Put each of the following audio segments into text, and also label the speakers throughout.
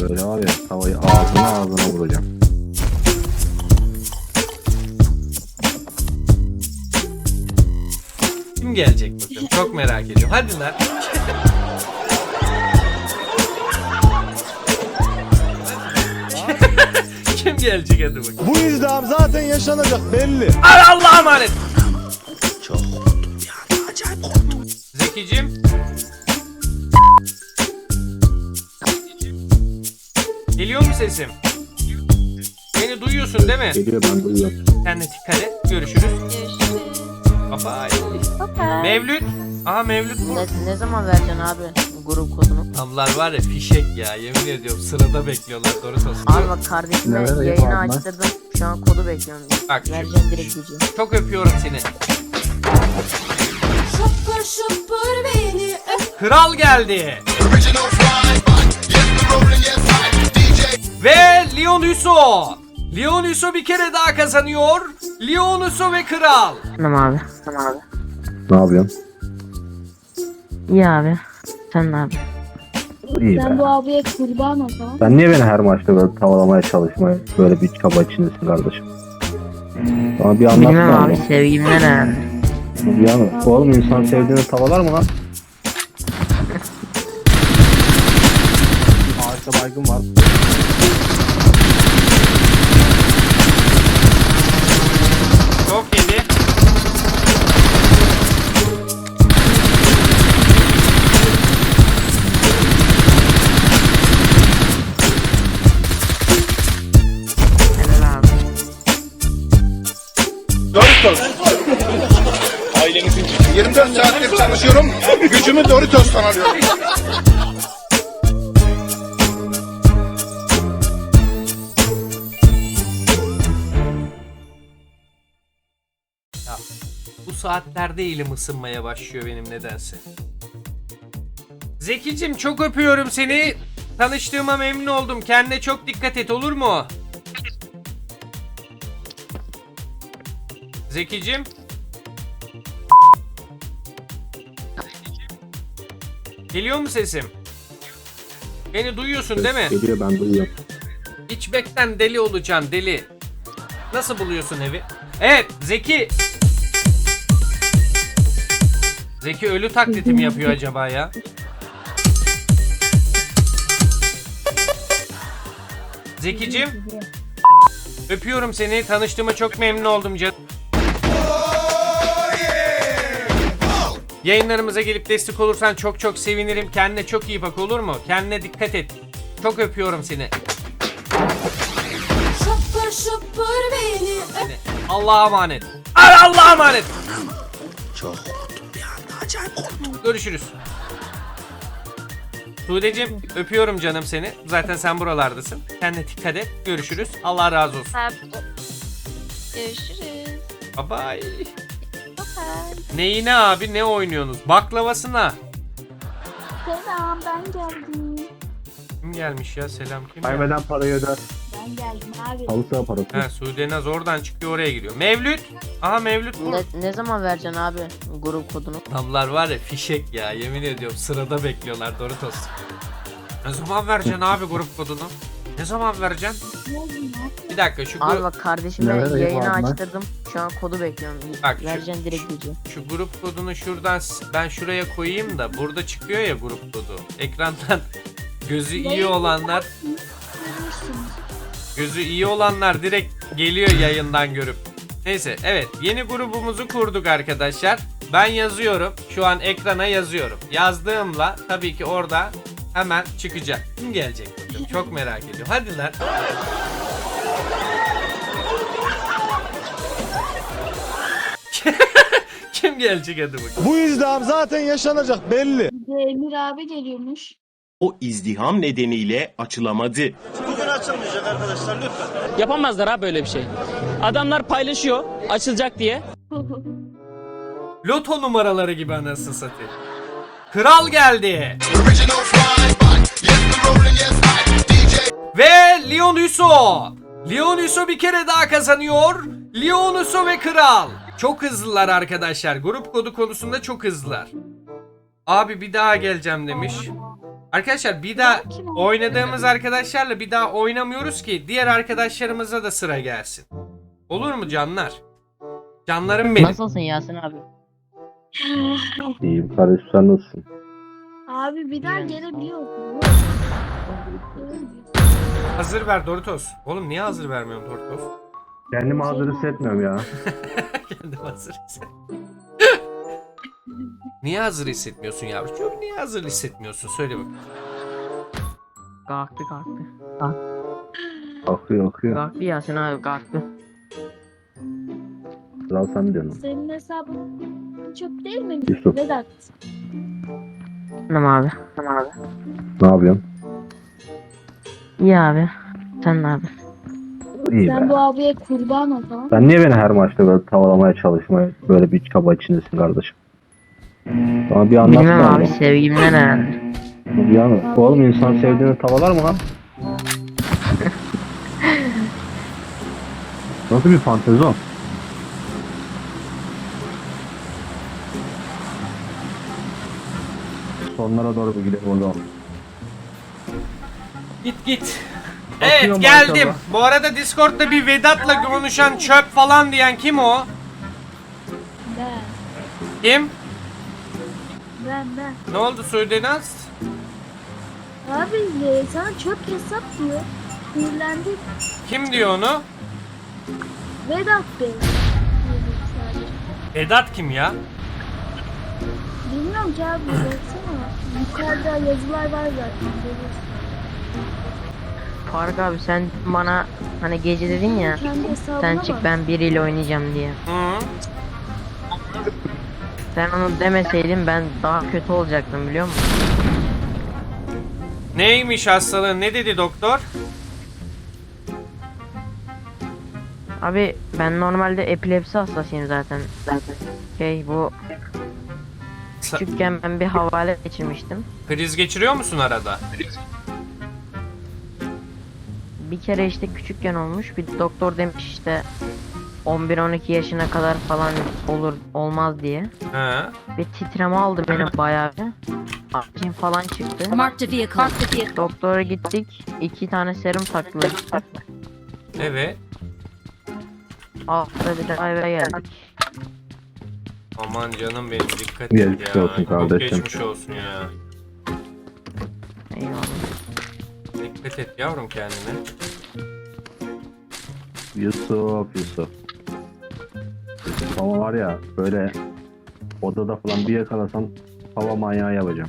Speaker 1: Böyle var ya, tavayı ağzına vuracağım.
Speaker 2: Kim gelecek bakalım? Çok merak ediyorum. Hadi lan. Kim gelecek hadi bakalım.
Speaker 3: Bu izdiham zaten yaşanacak belli.
Speaker 2: Ay Allah'a emanet. Çok korktum ya. Acayip korktum. Zekicim. Geliyor mu sesim? Beni duyuyorsun değil mi?
Speaker 1: Geliyor, ben duyuyorum.
Speaker 2: Kendine dikkat et. Görüşürüz. Bye bye. Mevlüt. Aha Mevlüt bu.
Speaker 4: Ne zaman vereceksin abi grup kodunu?
Speaker 2: Ablar var ya fişek ya, yemin ediyorum sırada bekliyorlar Doritos.
Speaker 4: Abi bak kardeşime
Speaker 1: Ne vereyim
Speaker 4: yayını
Speaker 1: abi ben?
Speaker 4: açtırdım. Şu an kodu bekliyorum.
Speaker 2: Bak şu-
Speaker 4: Vereceğim direkt gücü.
Speaker 2: Çok öpüyorum seni.
Speaker 5: Şapır şapır beni öp.
Speaker 2: Kral geldi. Ve Leon Husso. Leon Husso bir kere daha kazanıyor. Leon Husso ve Kral.
Speaker 4: Tamam abi. Tamam abi.
Speaker 1: Ne yapıyorsun?
Speaker 4: İyi abi. Sen ne abi?
Speaker 1: İyi
Speaker 5: Ben
Speaker 1: be.
Speaker 5: bu abiye kurban o zaman.
Speaker 1: Sen niye beni her maçta böyle tavalamaya çalışmaya, böyle bir çaba içindesin kardeşim? Bana bir
Speaker 4: Bilmem
Speaker 1: anlatsana
Speaker 4: abi
Speaker 1: oğlum.
Speaker 4: sevgimden herhalde.
Speaker 1: Yani, oğlum insan sevdiğini tavalar mı lan? Ağaçta baygın var.
Speaker 2: Çok yedi.
Speaker 4: Helal abi.
Speaker 6: Doritos. Ailemizin 24 saattir çalışıyorum. Gücümü Doritos'tan alıyorum.
Speaker 2: Ya, bu saatlerde elim ısınmaya başlıyor benim nedense. Zekicim çok öpüyorum seni. Tanıştığıma memnun oldum. Kendine çok dikkat et, olur mu? Zekicim. Geliyor mu sesim? Beni duyuyorsun değil mi?
Speaker 1: Geliyor, ben duyuyorum.
Speaker 2: İçmekten deli olacaksın, deli. Nasıl buluyorsun evi? Evet Zeki. Zeki ölü taklidi mi yapıyor acaba ya? Zekicim. Öpüyorum seni. Tanıştığıma çok memnun oldum canım. Yayınlarımıza gelip destek olursan çok çok sevinirim. Kendine çok iyi bak, olur mu? Kendine dikkat et. Çok öpüyorum seni.
Speaker 5: Şapır şapır beni öp.
Speaker 2: Seni. Allah'a emanet. Allah'a emanet.
Speaker 6: Çok korktum bir anda. Acayip korktum.
Speaker 2: Görüşürüz. Sude'cim öpüyorum canım seni. Zaten sen buralardasın. Kendine dikkat et. Görüşürüz. Allah razı olsun.
Speaker 7: Görüşürüz.
Speaker 2: Bye bye.
Speaker 7: Bye.
Speaker 2: Neyine abi, ne oynuyorsunuz? Baklavasına.
Speaker 5: Selam ben geldim.
Speaker 2: Kim gelmiş ya? Selam kim?
Speaker 1: Kaybeden parayı öder.
Speaker 5: Ben geldim abi.
Speaker 1: Halı saha parası.
Speaker 2: Ha, Sude Naz oradan çıkıyor, oraya giriyor. Mevlüt. Aha Mevlüt bu.
Speaker 4: Ne zaman vereceksin abi grup kodunu?
Speaker 2: Adamlar var ya fişek ya, yemin ediyorum sırada bekliyorlar Doritos. Ne zaman vereceksin abi grup kodunu? Ne zaman vereceksin?
Speaker 5: Ne oldu ya?
Speaker 2: Bir dakika şu
Speaker 4: Abi bak kardeşime
Speaker 1: Ne vereyim
Speaker 4: yayını
Speaker 1: abi ben?
Speaker 4: açtırdım. Şu an kodu bekliyorum.
Speaker 2: Bak şu-
Speaker 4: Vereceğim direkt gücü.
Speaker 2: Şu grup kodunu şuradan ben şuraya koyayım da burada çıkıyor ya grup kodu. Ekrandan gözü iyi olanlar, gözü iyi olanlar direkt geliyor yayından görüp. Neyse evet, yeni grubumuzu kurduk arkadaşlar. Ben yazıyorum. Şu an ekrana yazıyorum. Yazdığımla tabii ki orada hemen çıkacak. Kim gelecek bakalım? Çok merak ediyorum. Hadi lan. Kim gelecek hadi bakalım.
Speaker 3: Bu izdiham zaten yaşanacak belli.
Speaker 5: Bir de Emir abi geliyormuş.
Speaker 8: O izdiham nedeniyle açılamadı.
Speaker 9: Yapamazlar ha böyle bir şey. Adamlar paylaşıyor açılacak diye.
Speaker 2: Loto numaraları gibi anasını satayım. Kral geldi. Ve Leon Husso. Leon Husso bir kere daha kazanıyor. Leon Husso ve Kral. Çok hızlılar arkadaşlar. Grup kodu konusunda çok hızlılar. Abi bir daha geleceğim demiş. Arkadaşlar bir daha oynadığımız arkadaşlarla bir daha oynamıyoruz ki diğer arkadaşlarımıza da sıra gelsin. Olur mu canlar? Canlarım benim.
Speaker 4: Nasılsın Yasin abi?
Speaker 1: İyiyim kardeşim, sen nasılsın?
Speaker 5: Abi bir daha gelebiliyor mu?
Speaker 2: Hazır ver Doritos. Oğlum niye hazır vermiyorsun Doritos?
Speaker 1: Kendimi hazır hissetmiyorum ya.
Speaker 2: Kendim hazır hissetmiyorum. Niye hazır hissetmiyorsun yavrucuğum? Niye hazır hissetmiyorsun? Söyle bak.
Speaker 4: Kalktı.
Speaker 1: Akıyor.
Speaker 4: Kalktı Yasin abi kalktı.
Speaker 1: Kral sen diyorsun.
Speaker 5: Senin hesabın çöp değil mi?
Speaker 1: Yusuf.
Speaker 5: Vedat.
Speaker 4: Tamam abi.
Speaker 1: Ne yapıyorsun?
Speaker 4: İyi abi. Sen ne abi?
Speaker 1: İyi
Speaker 5: Sen
Speaker 1: be.
Speaker 5: bu abiye kurban ol tamam.
Speaker 1: Sen niye beni her maçta böyle tavalamaya çalışmaya böyle bir çaba içindesin kardeşim? Bana bir anlatsana.
Speaker 4: Bilmem abi
Speaker 1: oğlum.
Speaker 4: sevgimden herhalde.
Speaker 1: Bir anlat. Oğlum insan sevdiğini tavalar mı lan? Nasıl bir fantezi o? Sonlara doğru bir gidelim o zaman.
Speaker 2: Git.
Speaker 1: Bakıyorum
Speaker 2: Evet geldim.
Speaker 1: maşallah.
Speaker 2: Bu arada Discord'da bir Vedat'la konuşan çöp falan diyen kim o?
Speaker 5: Ben.
Speaker 2: Kim?
Speaker 5: Ben.
Speaker 2: Ne oldu Sudenaz?
Speaker 5: Abi sana çöp hesap diyor. Sinirlendik.
Speaker 2: Kim diyor onu?
Speaker 5: Vedat Bey. Dedim sadece.
Speaker 2: Vedat kim ya?
Speaker 5: Bilmiyorum ki abi baksana. Yukarıda yazılar var zaten. Görüyorsun.
Speaker 4: Faruk abi sen bana hani gece dedin ya.
Speaker 5: Kendi hesabına
Speaker 4: Sen çık
Speaker 5: bak.
Speaker 4: ben biriyle oynayacağım diye.
Speaker 2: Hı.
Speaker 4: Sen onu demeseydin ben daha kötü olacaktım biliyor musun?
Speaker 2: Neymiş hastalığın? Ne dedi doktor?
Speaker 4: Abi ben normalde epilepsi hastasıyım zaten. Bu küçükken ben bir havale geçirmiştim.
Speaker 2: Kriz geçiriyor musun arada?
Speaker 4: Bir kere işte küçükken olmuş. Bir doktor demiş işte 11-12 yaşına kadar falan olur olmaz diye.
Speaker 2: He.
Speaker 4: Ve titreme aldı beni bayağı bir. Acım falan çıktı.
Speaker 7: Marked a vehicle.
Speaker 4: Doktora gittik. 2 tane serum taktılar işte.
Speaker 2: Evet.
Speaker 4: Altta bir de eve geldik.
Speaker 2: Aman canım benim dikkat et
Speaker 1: Geçmiş
Speaker 2: ya.
Speaker 1: olsun
Speaker 2: Çok
Speaker 1: kardeşim.
Speaker 2: geçmiş olsun ya.
Speaker 4: Eyvallah.
Speaker 2: Dikkat et yavrum kendine.
Speaker 1: Yusuf. Ama var ya böyle odada falan bir yakalasam hava manyağı yapacağım.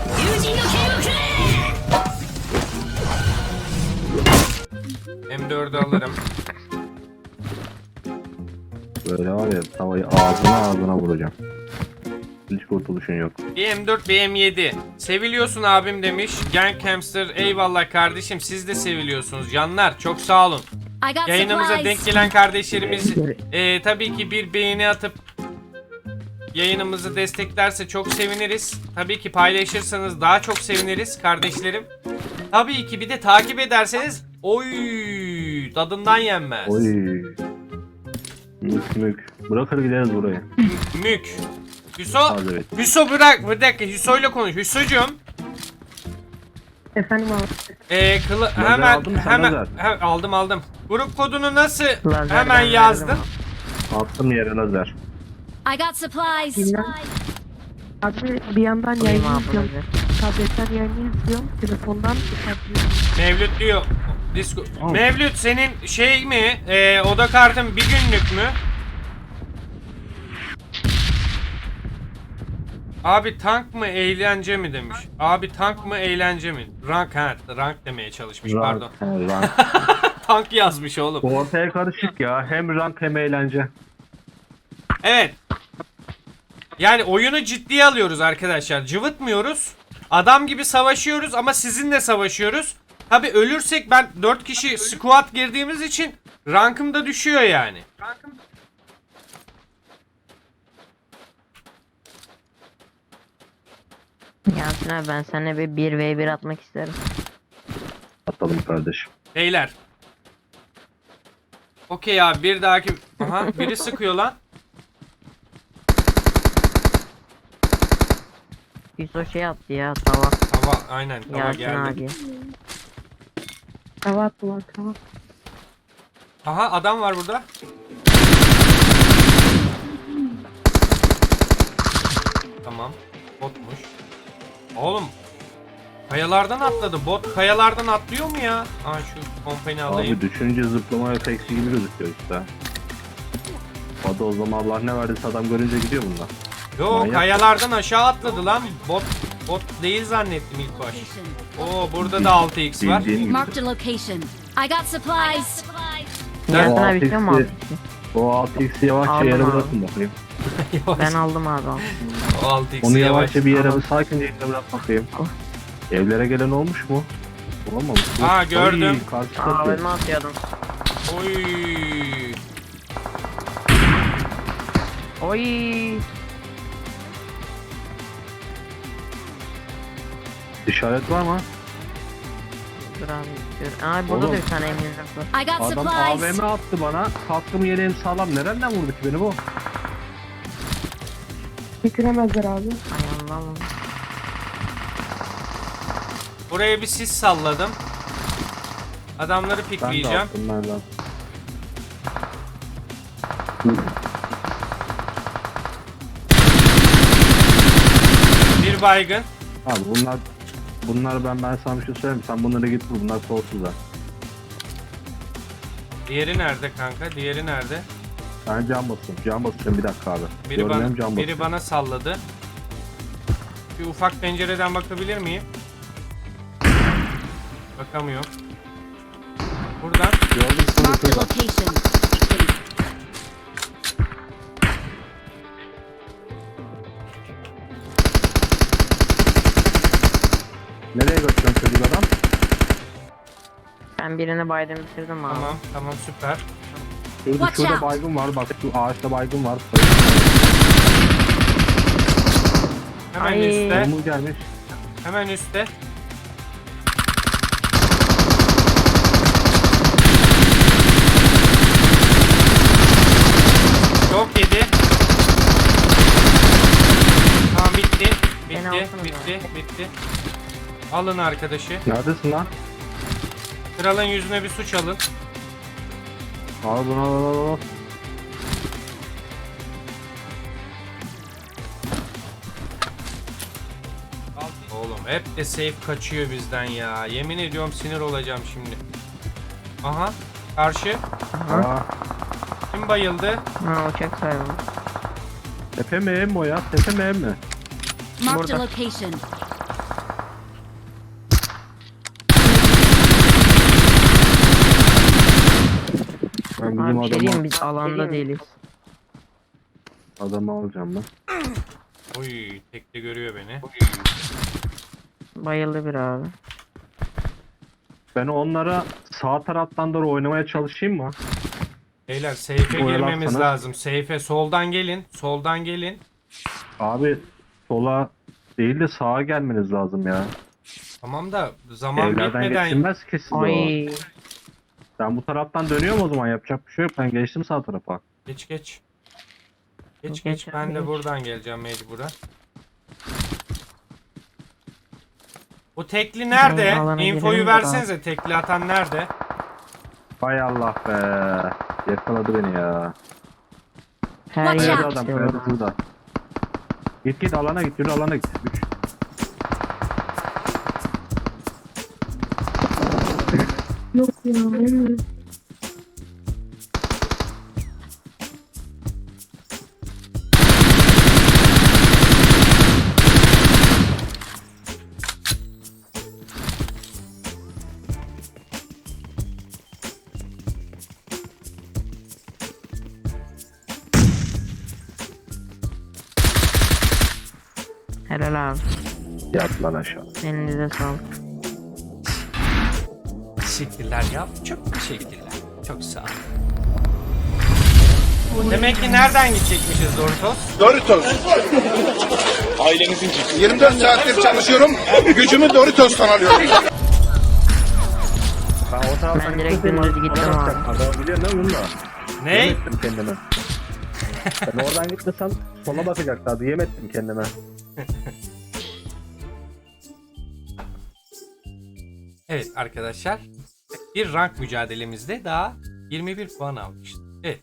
Speaker 2: M4'ü alırım.
Speaker 1: Böyle var ya tavayı ağzına vuracağım. Hiç kurtuluşun yok.
Speaker 2: Bir M4 bir M7. Seviliyorsun abim demiş. Gang Hamster eyvallah kardeşim siz de seviliyorsunuz. Canlar çok sağ olun.
Speaker 7: I got
Speaker 2: Yayınımıza
Speaker 7: supplies.
Speaker 2: denk gelen kardeşlerimiz tabii ki bir beğeni atıp yayınımızı desteklerse çok seviniriz. Tabii ki paylaşırsanız daha çok seviniriz kardeşlerim. Tabii ki bir de takip ederseniz oy tadından yenmez.
Speaker 1: Oy. Mük. Bırakır gideriz buraya.
Speaker 2: Mük. Hüso,
Speaker 1: Hadi evet.
Speaker 2: Hüso bırak bir dakika Hüso'yla konuş. Hüso'cum.
Speaker 4: Efendim abi.
Speaker 2: Hemen
Speaker 1: aldın mı sen lazer?
Speaker 2: aldım. Grup kodunu nasıl
Speaker 4: Lazer
Speaker 2: hemen
Speaker 4: ben
Speaker 2: yazdın?
Speaker 4: verdim
Speaker 1: Attım yere lazer.
Speaker 7: I got supplies.
Speaker 4: Bilmem.
Speaker 10: Abi bir yandan
Speaker 4: Koyayım
Speaker 10: yayın
Speaker 4: abi
Speaker 10: yapıyorum.
Speaker 4: lazer.
Speaker 10: Tabletten yayın yapıyorum. Telefondan yapıyorum.
Speaker 2: Mevlüt diyor. Disco.
Speaker 1: Tamam.
Speaker 2: Mevlüt senin şey mi? Oda kartın bir günlük mü? Abi tank mı eğlence mi demiş. Abi tank mı eğlence mi? Rank rank demeye çalışmış pardon.
Speaker 1: Rank.
Speaker 2: Tank yazmış oğlum.
Speaker 1: Bu ortaya karışık ya. Hem rank hem eğlence.
Speaker 2: Evet. Yani oyunu ciddiye alıyoruz arkadaşlar. Cıvıtmıyoruz. Adam gibi savaşıyoruz ama sizinle savaşıyoruz. Tabi ölürsek ben 4 kişi squad girdiğimiz için rankım da düşüyor yani.
Speaker 4: Yasin abi ben seninle bir 1v1 atmak isterim.
Speaker 1: Atalım kardeşim.
Speaker 2: Beyler. Okey abi bir dahaki... Aha biri sıkıyor lan.
Speaker 4: Yusuf şey attı ya tava.
Speaker 2: Aynen tava
Speaker 4: Yasin
Speaker 2: geldi.
Speaker 4: abi.
Speaker 10: Tava attılar tava.
Speaker 2: Aha adam var burada. Tamam. Botmuş. Oğlum. Kayalardan atladı. Bot kayalardan atlıyor mu ya? Aa şu kompani alayım.
Speaker 1: Abi düşünce zıplama efeksi gibi gözüküyor işte. O da o zaman Allah ne verdiyse adam görünce gidiyor bunlar.
Speaker 2: Yo
Speaker 1: manyak.
Speaker 2: kayalardan aşağı atladı lan. Bot değil zannettim ilk baş. Oo burada da 6x var.
Speaker 1: Bildiğin gibi.
Speaker 7: Marked a location. I got supplies.
Speaker 4: Yasin
Speaker 1: O
Speaker 4: abi istiyor mu
Speaker 1: 6x'i
Speaker 4: abi?
Speaker 1: O 6x'i yavaşça
Speaker 4: Aldım
Speaker 1: yere
Speaker 4: abi.
Speaker 1: bırakın bakayım.
Speaker 4: Ben aldım abi.
Speaker 2: O 6x'i
Speaker 1: Onu
Speaker 2: yavaş.
Speaker 1: yavaşça bir yere sakince yere bırak bakayım. Evlere gelen olmuş mu? Olmamış mı?
Speaker 2: Aa, gördüm.
Speaker 1: Ay, karşı tarafı.
Speaker 4: Abime atıyordum.
Speaker 2: Oy.
Speaker 4: Oy.
Speaker 1: İşaret var mı?
Speaker 4: Dur abi istiyorum. Aa burada
Speaker 1: Oğlum.
Speaker 4: da bir tane eminim var.
Speaker 7: I got
Speaker 1: Adam
Speaker 7: supplies.
Speaker 1: AVM attı bana. Kaskım yeleğim sağlam. Nereden vurdu ki beni bu?
Speaker 10: Bitiremezler abi.
Speaker 4: Ay Allah'ım.
Speaker 2: Buraya bir sis salladım. Adamları
Speaker 1: Ben de
Speaker 2: pikleyeceğim.
Speaker 1: attım nereden?
Speaker 2: Bir baygın.
Speaker 1: Abi bunlar ben sana bir şey söyleyeyim. Sen bunları git vur. Bunlar soğuksuzlar.
Speaker 2: Diğeri nerede kanka? Diğeri nerede?
Speaker 1: Ben can basıyorum. Can basıyorum bir dakika abi.
Speaker 2: Biri
Speaker 1: Görmüyorum, can
Speaker 2: bana,
Speaker 1: basıyorum.
Speaker 2: biri bana salladı. Bir ufak pencereden bakabilir miyim? Bakamıyorum. Buradan.
Speaker 1: Gördüm seni
Speaker 7: Marked a
Speaker 1: şurada.
Speaker 7: location.
Speaker 1: Nereye götürüyorsun çocuk adam?
Speaker 4: Ben birini baydım bitirdim abi.
Speaker 2: Tamam süper.
Speaker 7: Watch
Speaker 1: Şurada
Speaker 7: out.
Speaker 1: baygın var. Bak şu ağaçta baygın var.
Speaker 2: Hemen
Speaker 4: Ay.
Speaker 2: üstte.
Speaker 1: Domuz gelmiş.
Speaker 2: Hemen üstte. Çok yedi. Tamam bitti.
Speaker 4: Beni
Speaker 2: Bitti.
Speaker 4: alsana
Speaker 2: Bitti. Alın arkadaşı.
Speaker 1: Neredesin lan?
Speaker 2: Kralın yüzüne bir suç alın.
Speaker 1: Al bunu al.
Speaker 2: Oğlum hep de safe kaçıyor bizden ya. Yemin ediyorum sinir olacağım şimdi. Aha. Karşı.
Speaker 1: Aa,
Speaker 2: Kim bayıldı?
Speaker 4: Ha uçak sayılır.
Speaker 1: tepe mi em o ya? Tepe mi em mi?
Speaker 7: Marked a
Speaker 4: Burada.
Speaker 7: location.
Speaker 1: Ben bizim
Speaker 4: Abi bir şey diyeyim
Speaker 1: adamı,
Speaker 4: biz alanda değiliz.
Speaker 1: adamı alacağım ben.
Speaker 2: Oy tekte görüyor beni.
Speaker 4: Bayıldı bir abi.
Speaker 1: Ben onlara sağ taraftan doğru oynamaya çalışayım mı?
Speaker 2: Beyler safe'e
Speaker 1: Oyalan
Speaker 2: girmemiz
Speaker 1: sana.
Speaker 2: lazım. Safe'e soldan gelin. Soldan gelin.
Speaker 1: Abi sola değil de sağa gelmeniz lazım ya.
Speaker 2: Tamam da zaman
Speaker 1: Evlerden
Speaker 2: bitmeden
Speaker 1: geçilmez kesin o.
Speaker 4: Ay.
Speaker 1: Ben bu taraftan dönüyorum o zaman, yapacak bir şey yok. Ben geçtim sağ tarafa.
Speaker 2: geç. Geç
Speaker 4: Geç
Speaker 2: ben
Speaker 4: abi,
Speaker 2: de
Speaker 4: geç.
Speaker 2: buradan geleceğim mecburen. Bu tekli nerede?
Speaker 4: Ben alana
Speaker 2: Infoyu
Speaker 4: girelim de
Speaker 2: versenize. Tekli atan nerede?
Speaker 1: Hay Allah be. Yakaladı beni ya.
Speaker 4: Her
Speaker 7: Watch
Speaker 4: yer
Speaker 1: Kayada
Speaker 7: out.
Speaker 1: adam,
Speaker 4: istiyor.
Speaker 1: kayada şurada. Git alana git, yürü alana git.
Speaker 10: Yok ya bilmiyorum.
Speaker 4: Helal abi.
Speaker 1: Yat lan aşağı.
Speaker 4: Elinize sağlık.
Speaker 2: Teşekkürler ya. Çok teşekkürler. Çok sağ ol. Demek ki nereden gidecekmişiz Doritos?
Speaker 6: Doritos. Ailenizin 24 saattir çalışıyorum. Gücümü Doritos'tan alıyorum.
Speaker 1: Ben o taraftan
Speaker 4: Ben direkt
Speaker 1: gittim,
Speaker 4: dümdüz gittim
Speaker 1: bana
Speaker 4: abi.
Speaker 1: bakacak. Adamı biliyorsun değil mi bunu da?
Speaker 2: Ne?
Speaker 1: Yemettim kendime. Ben oradan gitmesem sola bakacaktı abi. Yemettim kendime.
Speaker 2: Evet arkadaşlar. Bir rank mücadelemizde daha 21 puan almıştık. Evet.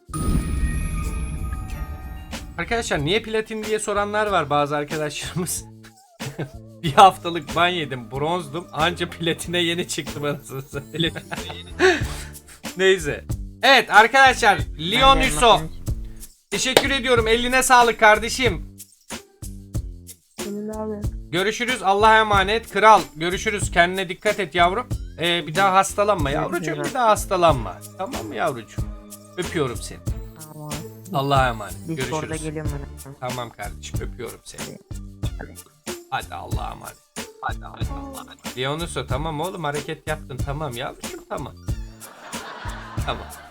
Speaker 2: Arkadaşlar niye platin diye soranlar var bazı arkadaşlarımız. Bir haftalık ban yedim. Bronzdum. Anca platine yeni çıktım anasını satayım. Neyse. Evet arkadaşlar. Leon Hüso. Teşekkür ediyorum. Eline sağlık kardeşim.
Speaker 10: Senin abi.
Speaker 2: Görüşürüz. Allah'a emanet. Kral. Görüşürüz. Kendine dikkat et yavrum. Bir daha hastalanma yavrucuğum. Bir daha hastalanma. Tamam mı yavrucuğum? Öpüyorum seni.
Speaker 4: Tamam.
Speaker 2: Allah'a emanet.
Speaker 4: Discord'a
Speaker 2: Görüşürüz.
Speaker 4: geliyorum ben.
Speaker 2: Tamam kardeşim. Öpüyorum seni. Hadi Allah'a emanet. Hadi Allah'a emanet. Leonus'u tamam oğlum hareket yaptın. Tamam yavrucuğum tamam. Tamam.